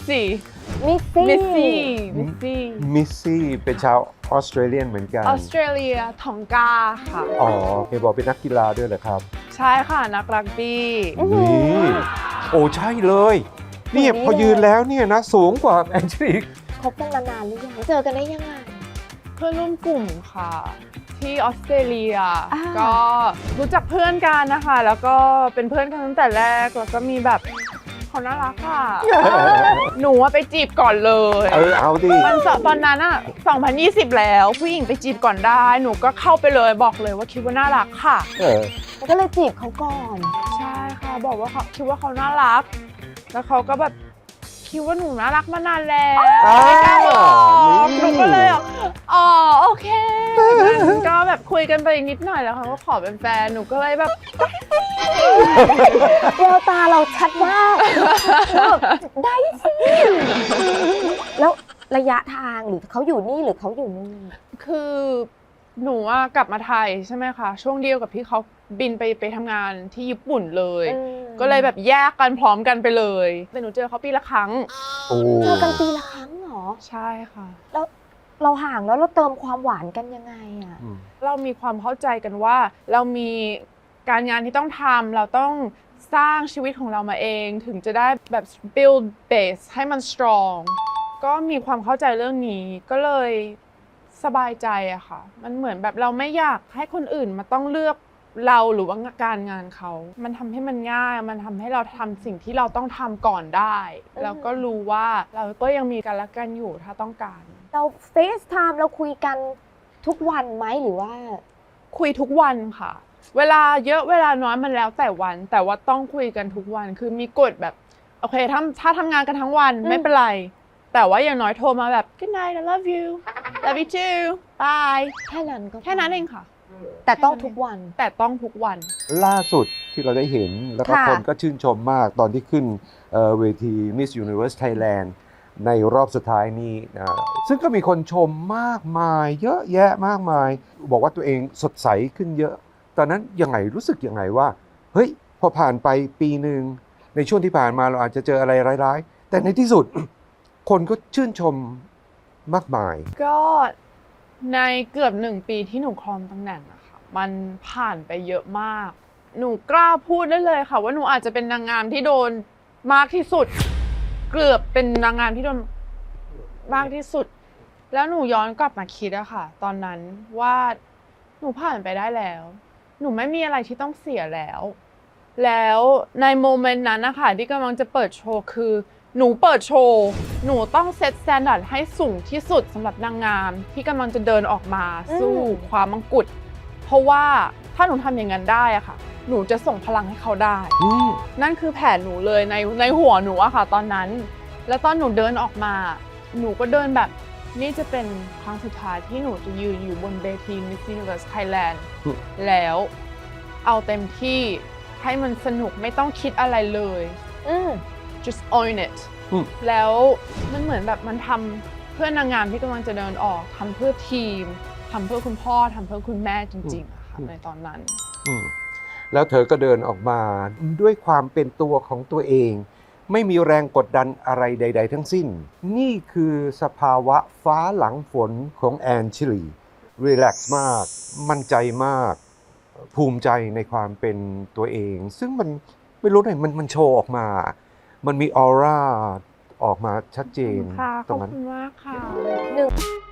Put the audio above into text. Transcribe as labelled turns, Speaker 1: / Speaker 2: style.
Speaker 1: ซี่
Speaker 2: มิสซี่
Speaker 1: มิสซี่มิสซี่
Speaker 3: มิสซี่เป็นชาวออสเตรเลียนเหมือนกัน
Speaker 1: ออสเตรเลียทองกาค่ะ
Speaker 3: อ๋อเห็นบอกเป็นนักกีฬาด้วยเหรอครับ
Speaker 1: ใช่ค่ะนักรักบี้
Speaker 3: นี่โอ้ใช่เลยนี่พอยืนแล้วเนี่ยนะสูงกว่าแอนเจลิก
Speaker 2: คบกันมานานหรือยังเจอกันได้ยังไง
Speaker 1: เพื่อนร่วมกลุ่มค่ะ ที่ออสเตรเลีย
Speaker 2: อ่า
Speaker 1: ก็รู้จักเพื่อนกันนะคะ แล้วก็เป็นเพื่อนกันตั้งแต่แรกแล้วก็มีแบบเขาน่ารักค่ะ หนูไปจีบก่อนเลย
Speaker 3: เอาดิ
Speaker 1: ตอนนั้นอะ2020 แล้วผู้หญิงไปจีบก่อนได้หนูก็เข้าไปเลยบอกเลยว่าคิดว่าน่ารักค่ะ
Speaker 2: แล้วก็เลยจีบเขาก่อน
Speaker 1: ใช่ค่ะบอกว่าเขาคิดว่าเขาน่ารัก แล้วเขาก็แบบคิดว่าหนูน่ารักมานานแล้วไม่กล้าบอกหนูก็เลยอ๋อโอเคก็แบบคุยกันไปนิดหน่อยแล้วเขาก็ขอเป็นแฟนหนูก็เลยแบบ
Speaker 2: แววตาเราชัดมากแบบได้สิแล้วระยะทางหรือเขาอยู่นี่หรือเขาอยู่นู่น
Speaker 1: คือหนูอะกลับมาไทยใช่ไหมคะช่วงเดียวกับที่เขาบินไปทำงานที่ญี่ปุ่นเลย ก็เลยแบบแยกกันพร้อมกันไปเลยแต่หนูเจอเขาปีละครั้ง
Speaker 3: โอ้
Speaker 2: เจอกันปีละครั้งเหรอ
Speaker 1: ใช่ค่ะ
Speaker 2: แล้วเราห่างแล้วเราเติมความหวานกันยังไงอ่ะ
Speaker 1: เรามีความเข้าใจกันว่าเรามีการงานที่ต้องทำเราต้องสร้างชีวิตของเรามาเองถึงจะได้แบบ build base ให้มัน strong ก็มีความเข้าใจเรื่องนี้ก็เลยสบายใจอะค่ะมันเหมือนแบบเราไม่อยากให้คนอื่นมาต้องเลือกเราหรือว่าการงานเขามันทำให้มันง่ายมันทำให้เราทำสิ่งที่เราต้องทำก่อนได้แล้วก็รู้ว่าเราก็ยังมีกันและกันอยู่ถ้าต้องการ
Speaker 2: เราเฟซไทม์เราคุยกันทุกวันไหมหรือว่า
Speaker 1: คุยทุกวันค่ะ เวลาเยอะเวลาน้อยมันแล้วแต่วัน แต่ว่าต้องคุยกันทุกวันคือมีกฎแบบโอเคถ้าทำงานกันทั้งวันไม่เป็นไรแต่ว่าอย่างน้อยโทรมาแบบ good night I love you love you too bye
Speaker 2: แค่นั้นก็พ
Speaker 1: แค่นั้นเองค่ะ
Speaker 2: แต่ต้องทุกวัน
Speaker 1: แต่ต้องทุกวัน
Speaker 3: ล่าสุดที่เราได้เห็นแล้วก็
Speaker 2: ค่ะ
Speaker 3: คนก็ชื่นชมมากตอนที่ขึ้นเวที Miss Universe Thailand ในรอบสุดท้ายนี้นะซึ่งก็มีคนชมมากมายเยอะแยะมากมาย บอกว่าตัวเองสดใสขึ้นเยอะ ตอนนั้นยังไงรู้สึกยังไงว่าเฮ้ยพอผ่านไปปีหนึ่งในช่วงที่ผ่านมาเราอาจจะเจออะไรร้ายๆ แต่ในที่สุด คนก็ชื่นชมมากมาย
Speaker 1: ก็ในเกือบ1 ปีที่หนูครองตำแหน่งอะค่ะมันผ่านไปเยอะมาก หนูกล้าพูดได้เลยค่ะว่าหนูอาจจะเป็นนางงามที่โดนมากที่สุด เกือบเป็นนางงามที่โดนมากที่สุด แล้วหนูย้อนกลับมาคิดอะค่ะ ตอนนั้นว่าหนูผ่านไปได้แล้ว หนูไม่มีอะไรที่ต้องเสียแล้ว แล้วในโมเมนต์นั้นนะคะที่กำลังจะเปิดโชว์คือหนูเปิดโชว์หนูต้องเซตสแตนดาร์ดให้สูงที่สุดสำหรับนางงามที่กำลังจะเดินออกมาสู้ความมงกุฎเพราะว่าถ้าหนูทำอย่างนั้นได้อะค่ะ หนูจะส่งพลังให้เขาได้ นั่นคือแผนหนูเลยในหัวหนูอะค่ะตอนนั้น แล้วตอนหนูเดินออกมา หนูก็เดินแบบนี่จะเป็นครั้งสุดท้ายที่หนูจะยืนอยู่บนเวที Miss Universe Thailand แล้วเอาเต็มที่ให้มันสนุกไม่ต้องคิดอะไรเลย just own it แล้วมันเหมือนแบบมันทำเพื่อนางงามที่กำลังจะเดินออกทำเพื่อทีมทำเพื่อคุณพ่อทำเพื่อคุณแม่จริงๆอะค่ะในตอนนั้น
Speaker 3: แล้วเธอก็เดินออกมาด้วยความเป็นตัวของตัวเอง ไม่มีแรงกดดันอะไรใด ๆ ทั้งสิ้น นี่คือสภาวะฟ้าหลังฝนของแอนชิลีรีแลกซ์มาก มั่นใจมาก ภูมิใจในความเป็นตัวเอง ซึ่งมันไม่รู้ไหนมันโชว์ออกมา มันมีออร่าออกมาชัดเจน
Speaker 1: ค่ะข
Speaker 3: ตร
Speaker 1: อบ
Speaker 3: งนั้น
Speaker 1: คุณมากค่ะ
Speaker 2: 1